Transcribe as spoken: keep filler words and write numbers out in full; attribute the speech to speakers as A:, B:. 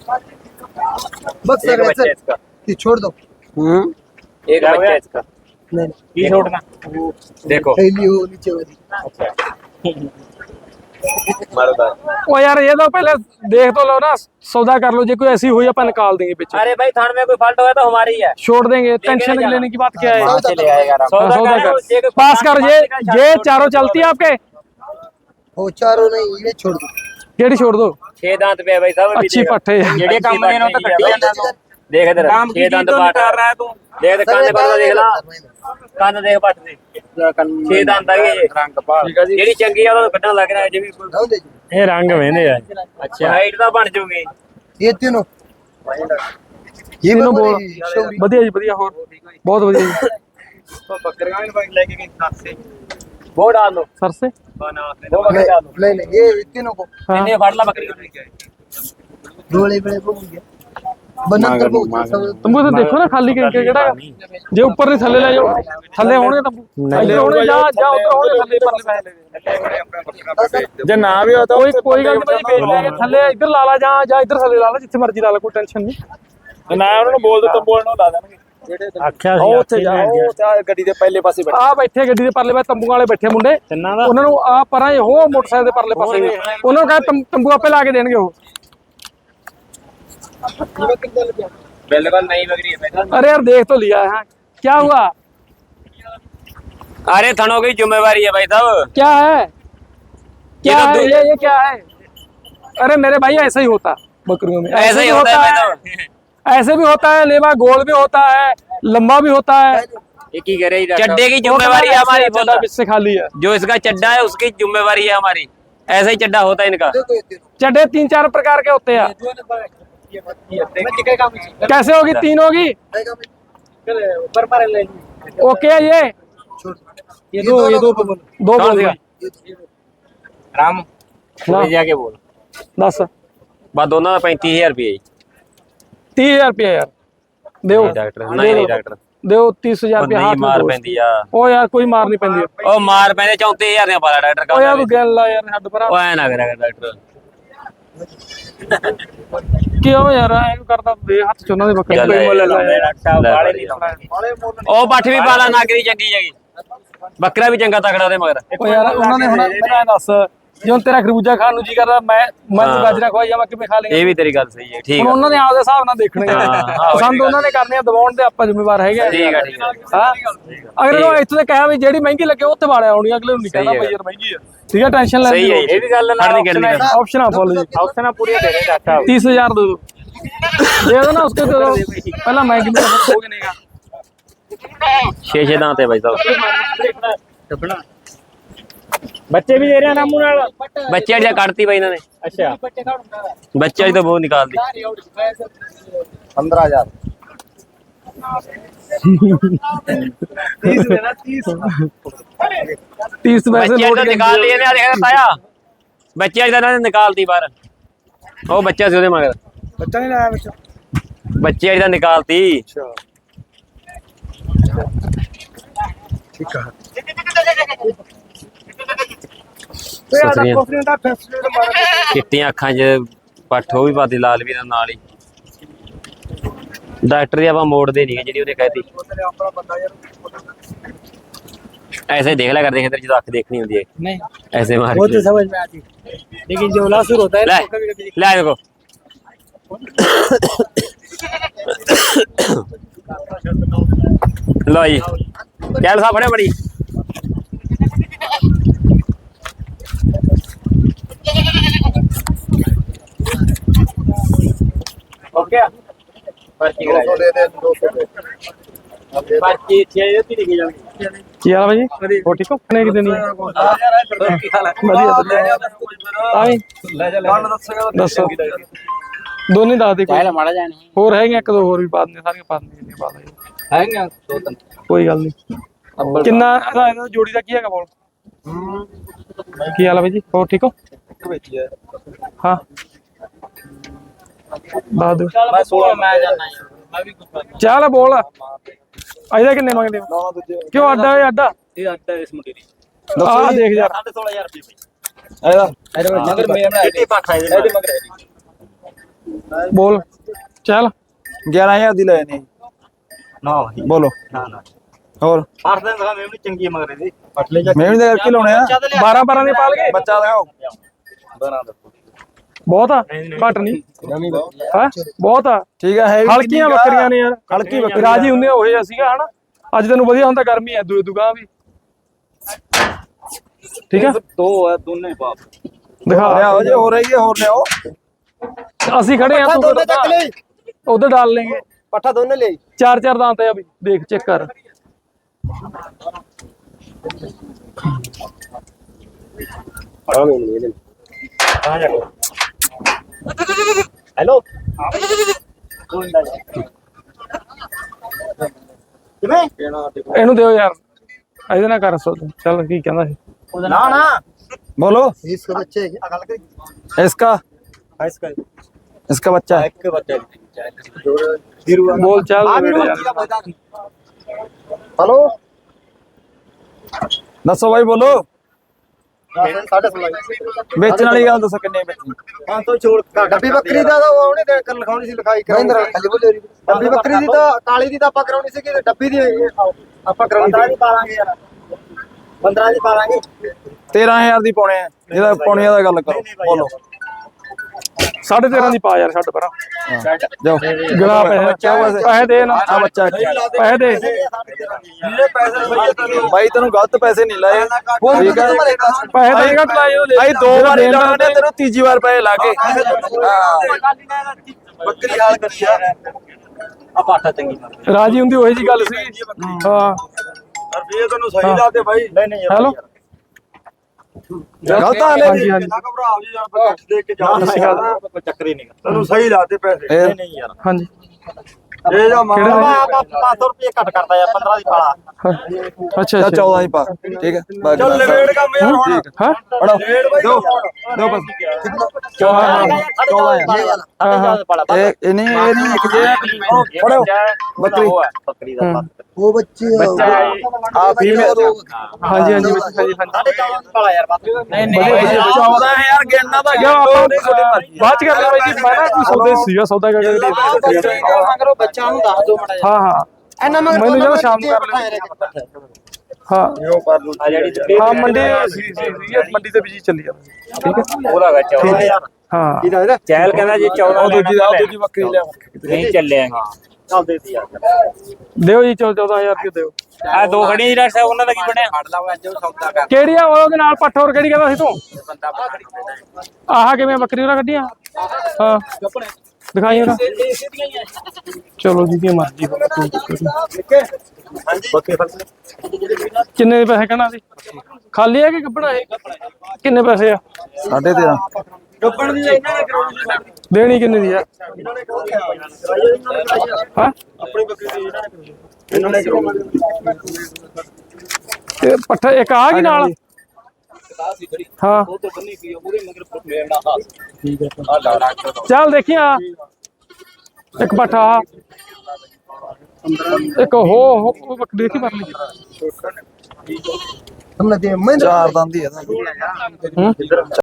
A: बस सर
B: बच्चा है इसका,
A: ये छोड़ दो।
C: हम्म
B: एक बच्चा है इसका।
A: नहीं
B: ये छोड़ना, देखो
A: थैली हो नीचे वाली।
D: ओ यार ये तो पहले देख तो लो ना, सौदा कर लो, जो कोई ऐसी हुई अपन निकाल देंगे पीछे,
B: अरे भाई थान में कोई फॉल्ट हुआ तो हमारी है,
D: छोड़ देंगे। टेंशन लेने की बात क्या है?
A: सौदा
B: ले आएगा
D: हाँ,
B: सौदा
D: सौदा
B: कर
D: कर पास कर। ये ये चारों चलती है आपके?
A: वो चारों नहीं, ये छोड़ दो।
D: केड़ी छोड़ दो?
B: छह दांत पे है भाई साहब,
D: अच्छी पट्टे है।
B: जेड़े काम में ना तो कट्टी जाना। देख इधर छह दांत पाट रहा है तू, देख कान पर देख ला, कान देख पट दे, छह दांत आ गए रंग पाल जेड़ी चंगी आ ਉਹ ਕੱਢਣ ਲੱਗ ਰਿਹਾ ਹੈ ਜਿਵੇਂ
A: जाओ दे दो।
D: ਇਹ ਰੰਗ ਵੇਂਦੇ ਆ।
B: ਅੱਛਾ ਹਾਈਟ ਤਾਂ ਬਣ ਜੂਗੀ।
A: ये तीनों ये
D: तीनों
A: बकरी
D: बोल-
A: शौरी।
D: ਵਧੀਆ ਜੀ ਵਧੀਆ, ਹੋਰ ਬਹੁਤ ਵਧੀਆ ਜੀ।
B: तो बकरियां भी बाइक लेके गई साथ से वो डाल दो
D: ਸਰ ਸੇ
B: बना दो बकरी
A: नहीं
B: डाल दो
A: नहीं नहीं, ये तीनों को
D: हाँ।
B: इन्हें फाड़ ला बकरी
A: डोले बड़े को हो गया बनंतर को सब।
D: ਤੰਬੂ ਤਾਂ ਦੇਖੋ ਨਾ ਖਾਲੀ ਕਰਕੇ ਕਿਹੜਾ ਹੈਗਾ। ਜੇ ਉੱਪਰ ਨਹੀਂ ਥੱਲੇ ਲੈ ਜਾਓ, ਥੱਲੇ ਹੋਣਗੇ ਤੰਬੂ, ਥੱਲੇ ਹੋਣਗੇ ਜਾਂ ਜਾਂ ਉੱਧਰ ਹੋਣਗੇ, ਥੱਲੇ ਪਰਲੇ ਪੈਸੇ ਲੈ
C: ਜੇ ਨਾ ਵੀ ਹੋਤਾ
D: ਕੋਈ ਕੋਈ ਗੱਲ ਨਹੀਂ ਭਾਈ, ਵੇਚ ਲਾਂਗੇ। ਥੱਲੇ ਇੱਧਰ ਲਾ ਲਾ ਜਾਂ ਜਾਂ ਇੱਧਰ ਥੱਲੇ ਲਾ ਲਾ, ਜਿੱਥੇ ਮਰਜ਼ੀ ਲਾ ਲਾ, ਕੋਈ ਟੈਨਸ਼ਨ ਨਹੀਂ।
C: ਨਾ ਉਹਨਾਂ ਨੂੰ ਬੋਲ ਦੋ ਤੰਬੂ ਨੂੰ ਲਾ ਦੇਣਗੇ।
D: ਆਖਿਆ
C: ਉਹ ਉੱਥੇ ਜਾ, ਉਹ ਤੇ ਗੱਡੀ ਦੇ ਪਹਿਲੇ ਪਾਸੇ ਬੈਠੇ
D: ਆ ਬੈਠੇ ਗੱਡੀ ਦੇ ਪਰਲੇ ਪਾਸੇ ਤੰਬੂ ਵਾਲੇ ਬੈਠੇ ਮੁੰਡੇ, ਉਹਨਾਂ ਨੂੰ ਆ ਪਰਾਂ ਉਹ ਮੋਟਰਸਾਈਕਲ ਦੇ ਪਰਲੇ ਪਾਸੇ, ਉਹਨਾਂ ਨੂੰ ਕਹੇ ਤੰਬੂ ਆਪੇ ਲਾ ਕੇ ਦੇਣਗੇ ਉਹ।
B: बिल्कुल नई बकरी है।
D: अरे यार देख तो लिया है, क्या हुआ?
B: अरे थनों की जिम्मेवारी है भाई साहब।
D: क्या है क्या
B: ये तो
D: है
B: दो-
D: ये ये क्या है? अरे मेरे भाई ऐसा ही होता बकरियों में,
B: ऐसा ही होता है भाई साहब।
D: ऐसे भी होता है, लेवा गोल भी होता है, लंबा भी होता है।
B: एक ही करे चड्डे की जिम्मेवारी है हमारी, बोला
D: इससे खाली है।
B: जो इसका चड्डा है उसकी जिम्मेवारी है हमारी, ऐसा ही चड्डा होता है इनका।
A: देखो ये तीनों
D: चड्डे तीन चार प्रकार के होते हैं। कैसे होगी? तीन होगी। ओके ये
A: छोड़ दो।
D: ये दो ये दो दो बोल दिया।
B: राम
D: हाँ।
B: जाके बोल
D: दस
B: बस दोनों का पैंतीस हजार रुपये
D: तीस हजार रुपया यार देओ,
B: डॉक्टर नहीं नहीं डॉक्टर
D: देओ तीस हजार रुपया हाथ
B: नहीं
D: में
B: मार
D: दो।
B: पैंदी आ
D: ओ यार कोई मार नहीं पैंदी।
B: ओ मार पैंदे चौंतीस हजार ने पाला डॉक्टर
D: ओ यार
B: का
D: तू गैल ला यार हद पर
B: ओ ऐ ना करेगा डॉक्टर
D: क्यों यार ऐ करदा दे हाथ ਚ ਉਹਨਾਂ ਦੇ ਬੱਕਰੇ
B: ਚੱਲ
D: ਕੋਈ ਮੁੱਲ ਲਾ ਯਾਰ।
B: डॉक्टर साहब वाले नहीं लाਉਂਦੇ ਉਹ ਪੱਠ ਵੀ ਪਾਲਾ ਨਾਗਰੀ ਚੰਗੀ ਹੈਗੀ, ਬੱਕਰਾ ਵੀ ਚੰਗਾ ਤਕੜਾ ਉਹਦੇ ਮਗਰ।
D: ਉਹ ਯਾਰ ਉਹਨਾਂ ਨੇ ਹੁਣ ਮੈਨੂੰ ਇਹ ਦੱਸ, ਜੇ ਹੁਣ ਤੇਰਾ ਖਰਬੂਜਾ ਖਾਣ ਨੂੰ ਜੀ ਕਰਦਾ, ਮੈਂ ਮੈਂ ਤੂੰ ਗਾਜਰਾਂ ਖਵਾਈ ਜਾਵਾਂ, ਕਿਵੇਂ ਖਾ ਲੇਗਾ?
B: ਇਹ ਵੀ ਤੇਰੀ ਗੱਲ ਸਹੀ ਹੈ, ਠੀਕ
D: ਹੁਣ
B: ਹੈ
D: ਉਹਨਾਂ ਨੇ ਆਪਦੇ ਹਿਸਾਬ ਨਾਲ ਦੇਖਣੇ ਆ,
B: ਹਾਂ,
D: ਪਸੰਦ ਉਹਨਾਂ ਨੇ ਕਰਨੇ ਆ, ਦਬਾਉਣ ਦੇ ਆਪਾਂ ਜ਼ਿੰਮੇਵਾਰ ਹੈਗੇ ਆ।
B: ਠੀਕ ਹੈ ਠੀਕ ਹੈ
D: ਹਾਂ ਅਗਰ ਉਹ ਇੱਥੇ ਤੇ ਕਹਿਆ ਵੀ ਜਿਹੜੀ ਮਹਿੰਗੀ ਲੱਗੇ ਉੱਥੇ ਵਾਲਿਆ ਆਉਣੀ, ਅਗਲੇ ਨੂੰ ਨਹੀਂ ਕਹਿਣਾ
B: ਸਹੀ ਹੈ।
D: ਭਾਈ ਯਾਰ ਮਹਿੰਗੀ ਆ, ਠੀਕ ਹੈ ਟੈਨਸ਼ਨ ਲੈਣ
B: ਸਹੀ ਹੈ ਇਹ ਵੀ ਗੱਲ
D: ਨਾਲ ऑप्शन फॉलो जी,
B: ऑप्शन पूरी दे रहे डॉक्टर साहब।
D: तीस हजार दे दो, दे दो ना उसके, दे दो पहला मैं कितने हो गए नहीं
B: छे छे दांत है भाई साहब।
D: बच्चे भी दे रहे हैं नामू नाल।
B: बच्चे अड़िया काटती भाई इन्होंने,
D: अच्छा
B: बच्चे अड़ी तो बहुत निकाल दी
A: पंद्रह हजार
D: तीस पैसे
B: बच्चे
D: नोट
B: तो निकाल लिए ने देखा ताया, बच्चे अड़ी तो निकाल दी बाहर, ओ बच्चा सी ओदे मगर
A: बच्चा नहीं लाया बच्चा।
B: बच्चे अड़ी तो निकालती।
A: ठीक है
B: चिट्टियां अखां च पट्ठ ਉਹ ਵੀ ਪਾਦੀ ਲਾਲ ਵੀ ਨਾਲ ਹੀ। डॉक्टर ਦੀ ਆਪਾਂ ਮੋੜਦੇ ਨਹੀਂ ਜਿਹੜੀ ਉਹਨੇ ਕਹਿਤੀ, ऐसे ही देख लिया करते हैं जो अख देखनी होती है,
D: नहीं
B: ऐसे मार
D: वो तो समझ में आती, लेकिन जो लासुर होता है
B: ले
D: तो कभी कभी
B: ले देखो लो जी क्या साहब फड़े बड़ी ओके पर्ची
A: दो सौ दे दे, दो सौ दे।
B: पर्ची छे दी लिखी जाएगी।
D: ਕੀ ਹਾਲ ਭਾਜੀ? ਹੋ ਠੀਕ ਹੋ? ਕਿੰਨੇ ਕਿ ਦੇਣੀ ਹੈ? ਵਧੀਆ ਵਧੀਆ ਆਈ ਦੱਸੋ ਦੋਨੇ ਦੱਸ ਦੇ ਕੋਈ
B: माड़ा जाने
D: ਹੋਰ ਹੈਗੇ ਇੱਕ ਦੋ ਹੋਰ ਵੀ ਪਾ ਦਿੰਦੇ, ਸਾਰੀਆਂ ਪਾ ਦਿੰਦੇ ਜਿੰਨੀਆਂ ਪਾ ਦਿੰਦੇ,
B: है दो तीन
D: ਕੋਈ ਗੱਲ ਨਹੀਂ। ਕਿੰਨਾ ਇਹਦਾ ਇਹਦਾ ਜੋੜੀ ਦਾ ਕੀ ਹੈਗਾ ਬੋਲ? ਕੀ ਹਾਲ ਹੈ ਭਾਈ ਜੀ? ਹੋਰ ਠੀਕ ਹੋ? ਹਾਂ ਦੱਸ ਦਿਓ।
B: मैं सोलह मैं जाना है मैं भी कुछ
D: ਚੱਲ ਬੋਲ ਇਹਦਾ ਕਿੰਨੇ ਮੰਗਦੇ ਹੋ? ਕਿਉਂ ਅੱਡਾ ਹੈ ਅੱਡਾ?
B: ये आता है इस मुंडे दी
D: ਆਹ ਦੇਖ ਯਾਰ
B: साढ़े सोलह हजार रुपये भाई ਇਹਦਾ ਮਗਰ ਮੇਰਾ ਨਾ ਇਹਦੀ ਪੱਠਾ ਇਹਦੇ ਮਗਰ
D: ਬੋਲ ਚੱਲ
C: ਗਿਆਰਾਂ ਹਜ਼ਾਰ ਦੀ ਲੈ ਨੇ
B: ਨਾ
C: ਬੋਲੋ
B: ਨਾ ਨਾ
C: ਹੋਰ
B: ਅੱਠ ਦਿਨ ਦਾ ਮੈਂ ਵੀ ਚੰਗੀ ਮਗਰੇ ਦੀ
C: ਮੈਂ ਵੀ ਦੇ ਕੀ ਲਾਉਣੇ ਆ
D: ਬਾਰਾਂ ਬਾਰਾਂ ਦੇ ਪਾਲ ਗਏ
C: ਬੱਚਾ ਦਿਖਾਓ
D: ਬਹੁਤ ਆ ਘੱਟ ਨਹੀਂ ਹਾਂ ਬਹੁਤ ਆ
C: ਠੀਕ ਹੈ ਹੈਵੀ
D: ਹਲਕੀਆਂ ਬੱਕਰੀਆਂ ਨੇ ਯਾਰ
C: ਹਲਕੀ ਬੱਕਰੀ
D: ਰਾਜੀ ਹੁੰਦੇ ਹੋਏ ਆ ਸੀਗਾ ਹਨਾ ਅੱਜ ਤੈਨੂੰ ਵਧੀਆ ਹੁੰਦਾ ਗਰਮੀ ਐ ਦੂ ਦੁਗਾ ਵੀ ਠੀਕ ਆ
B: ਦੋ ਹੈ ਦੋਨੇ ਬਾਪ
D: ਦਿਖਾ
C: ਲਿਆਓ ਜੇ ਹੋ ਰਹੀ ਹੈ ਹੋਰ ਲਿਆਓ
D: ਅਸੀਂ ਖੜੇ ਆ ਤੂੰ
A: ਦੋਨੇ ਚੱਕ ਲੈ
D: ਉਧਰ ਡਾਲ ਲੈਂਗੇ
A: ਪੱਠਾ ਦੋਨੇ ਲੈ
D: ਚਾਰ ਚਾਰ ਦਾਂਤ ਆ ਵੀ ਦੇਖ ਚੈੱਕ ਕਰ
B: ਹੈਲੋ ਕਿਵੇਂ
D: ਇਹਨੂੰ ਦਿਓ ਯਾਰ ਇਹਦੇ ਨਾਲ ਕਰ ਸੋ ਚੱਲ ਕੀ ਕਹਿੰਦਾ ਸੀ
B: ਨਾ ਨਾ
C: बोलो
A: इसके बच्चे है क्या?
C: इसका
B: इसका
C: इसका बच्चा है
B: एक बच्चा
D: ਬੋਲ ਚੱਲ
A: हेलो
C: दसो भाई बोलो
A: साढ़े सोलह
C: बेचने वाली गल दसो किन्ने बेचनी
B: हाँ तो छोड़
A: ਡੱਬੀ ਬੱਕਰੀ ਦਾ ਤਾਂ ਉਹਨੇ ਦੇ ਕਰ ਲਿਖਾਉਣੀ ਸੀ ਲਿਖਾਈ ਮਹਿੰਦਰ ਖਾਲੀ ਬੋਲੇ ਡੱਬੀ ਬੱਕਰੀ ਦੀ ਤਾਂ ਕਾਲੀ ਦੀ ਤਾਂ ਆਪਾਂ ਕਰਾਉਣੀ ਸੀ ਕਿ ਡੱਬੀ ਦੀ ਆਪਾਂ ਕਰਾਉਣੀ
B: पंद्रह ਦੀ ਪਾਲਾਂਗੇ ਯਾਰ पंद्रह ਦੀ ਪਾਲਾਂਗੇ
C: तेरह हजार दी पौने है ਇਹਦਾ ਪੌਣਿਆਂ ਦਾ ਗੱਲ ਕਰੋ ਬੋਲੋ
D: ਸਾਢੇ ਤੇਰਾਂ ਦੀ ਪਾ ਯਾਰ ਛੱਡ ਪਰਾਂ
C: ਜਾਓ
D: ਗਲਾ ਪੈਸੇ ਪੈਸੇ ਦੇ ਨਾ
C: ਆ ਬੱਚਾ
D: ਪੈਸੇ ਦੇ
B: ਜਿਹੜੇ ਪੈਸੇ ਸਹੀ ਤੈਨੂੰ
C: ਭਾਈ ਤੈਨੂੰ ਗਲਤ ਪੈਸੇ ਨਹੀਂ ਲਾਏ ਠੀਕ ਹੈ
D: ਪੈਸੇ ਤਾਂ ਘੱਟ ਲਾਏ ਉਹਦੇ
C: ਭਾਈ ਦੋ ਵਾਰ ਲਾਣੇ ਤੈਨੂੰ ਤੀਜੀ ਵਾਰ ਪੈਸੇ ਲਾ ਕੇ
B: ਬੱਕਰੀ ਹਾਲ ਕਰੀ ਯਾਰ ਆ ਪਾਠਾ ਚੰਗੀ ਮਾਰ
D: ਰਾਜੀ ਹੁੰਦੀ ਉਹੀ ਜੀ ਗੱਲ ਸੀ ਹਾਂ
B: ਰੁਪਏ ਤੈਨੂੰ ਸਹੀ ਲਾਤੇ ਭਾਈ ਨਹੀਂ ਨਹੀਂ
D: ਹੈਲੋ
C: ਗਲਤ ਆ ਲੈ
D: ਹਾਂਜੀ ਹਾਂਜੀ
B: ਨਾ ਘਬਰਾਓ ਜੀ ਯਾਰ ਕੱਟ ਦੇ ਕੇ ਜਾ ਕੋਈ ਚੱਕਰ ਹੀ ਨਹੀਂ ਤੈਨੂੰ ਸਹੀ ਲਾਤੇ ਪੈਸੇ
C: ਇਹ-
B: ਨਹੀਂ ਨਹੀਂ ਯਾਰ
D: ਹਾਂਜੀ
B: ਇਹ ਜਾ ਮਾਰ
D: ਕਿਹੜਾ?
B: ਆਪਾਂ ਪੰਜ ਸੌ ਰੁਪਏ ਘੱਟ ਕਰਦਾ ਯਾਰ ਪੰਦਰਾਂ ਦੀ ਪਾਲਾ
D: ਅੱਛਾ
C: ਚਾ
D: ਅੱਛਾ
C: ਚੌਦਾਂ ਹੀ ਪਾ ਠੀਕ ਹੈ ਬਾਕੀ
B: ਚੱਲ ਲਵੇੜ ਕੰਮ ਯਾਰ ਹੁਣ
C: ਠੀਕ
D: ਹਾਂ
C: ਪੜੋ
B: ਲਵੇੜ ਬਾਈ
C: ਦੋ ਦੋ ਬਸ
B: ਚੌਦਾਂ
C: ਹਜ਼ਾਰ ਇਹ ਇਹ ਨਹੀਂ ਇਹ ਨਹੀਂ ਇੱਕ ਜੇ ਫੜੋ ਬੱਕਰੀ
B: ਬੱਕਰੀ ਦਾ ਪੱਤ
A: वो बच्चे
C: ਆ ਫੀਮੇਲ
D: ਹਾਂਜੀ ਹਾਂਜੀ ਵਿੱਚ ਹਾਂਜੀ ਹਾਂਜੀ
B: ਚੌਦਾਂ ਦੀ ਪਾਲਾ ਯਾਰ ਬਸ ਨਹੀਂ
C: ਨਹੀਂ ਚੌਦਾਂ ਹਜ਼ਾਰ ਗਿਣਨਾ ਤਾਂ
D: ਯਾ ਆਪਾਂ ਬਾਅਦ ਚ ਕਰ ਲਿਆ ਬਾਈ ਜੀ ਮੈਂ ਨਾ ਕੋਈ ਸੌਦੇ ਸੀਗਾ ਸੌਦਾ ਕਰਕੇ
A: मगर बच्चा ਨੂੰ ਦੱਸ ਦੋ ਮੜਾ
D: ਹਾਂ ਹਾਂ
A: ਇਹਨਾਂ ਮਗਰ
D: ਮੈਨੂੰ ਜਦੋਂ ਸ਼ਾਮ ਨੂੰ ਕਰ ਲਿਆ ਹਾਂ
B: ਆ ਜਿਹੜੀ
D: ਹਾਂ ਮੰਡੀ ਸੀ ਸੀ ਸੀ ਮੰਡੀ ਤੇ ਵੀ ਚੱਲੀ ਜਾਂਦਾ ਠੀਕ ਹੈ
B: ਉਹਦਾ ਗਾ ਚੌਦਾਂ ਹਜ਼ਾਰ
D: ਹਾਂ
A: ਇਹਦਾ
B: ਚੈਲ ਕਹਿੰਦਾ ਜੀ ਚੌਦਾਂ
C: ਉਹ ਦੂਜੀ ਦਾ ਦੂਜੀ ਬੱਕਰੀ ਲਿਆ
B: ਨਹੀਂ ਚੱਲਿਆ ਚੱਲ ਦੇ ਦੀ ਯਾਰ
D: ਦਿਓ ਜੀ ਚੌਦਾਂ ਹਜ਼ਾਰ ਰੁਪਏ ਦਿਓ
B: ਆ ਦੋ ਖੜੀਆਂ ਜੀ ਡਾਕਟਰ ਸਾਹਿਬ ਉਹਨਾਂ ਦਾ ਕੀ ਬਣਿਆ ਫੜ ਲਾਓ ਅੱਜ ਉਹ ਸੌਦਾ ਕਰ
D: ਕਿਹੜੀ ਆ ਉਹਦੇ ਨਾਲ ਪੱਠ ਹੋਰ ਕਿਹੜੀ ਕਹਿੰਦਾ ਸੀ ਤੂੰ
B: ਬੰਦਾ ਖੜੀ ਬੈਠਾ
D: ਆਹ ਕਿਵੇਂ ਬੱਕਰੀ ਉਹਨਾਂ ਕੱਢੀਆਂ ਹਾਂ ਦਿਖਾਈ ਉਹਨਾਂ ਚਲੋ ਜਿਹਦੀ ਮਰਜ਼ੀ ਹੋਵੇ ਕੋਈ ਦਿੱਕਤ ਨਹੀਂ।
B: ਹਾਂਜੀ ਬੱਕੇ ਫੜ
D: ਕਿੰਨੇ ਦੇ ਪੈਸੇ ਕਹਿਣਾ ਸੀ ਖਾਲੀ ਹੈ ਕਿ ਗੱਬਣਾ ਇਹ ਕਿੰਨੇ ਪੈਸੇ ਆ
C: ਸਾਢੇ ਤੇਰਾਂ
B: ਗੱਪਣ ਦੀ ਇਹਨਾਂ ਨੇ ਕਰਾਉਣੀ
D: ਦੇਣੀ ਕਿੰਨੇ ਦੀ ਆ
B: ਇਹਨਾਂ ਨੇ ਕਰਾਉਣੀ
D: ਹਾਂ
B: ਆਪਣੀ ਬੱਕਰੀ ਦੀ ਇਹਨਾਂ ਨੇ ਇਹਨਾਂ ਨੇ
D: ਤੇ ਪੱਠਾ ਇੱਕ ਆ ਗਈ ਨਾਲ ਹਾਂ
B: ਉਹ ਤੋਂ ਬੰਨੀ ਪਈ ਉਹਦੇ ਮਗਰ ਮੇਰਾ ਹਾਸ ਠੀਕ ਹੈ ਆ ਲਾ ਡਾਕਟਰ
D: ਚੱਲ ਦੇਖੀ ਆ ਇੱਕ ਪੱਠਾ ਇੱਕ ਹੋ ਹੋ ਬੱਕਰੀ ਦੇਖੀ ਪਰ ਲਈ
A: हमने दे मैं
C: ਚਾਰ ਦੰਦ ਹੀ ਹੈ
D: ਹੂੰ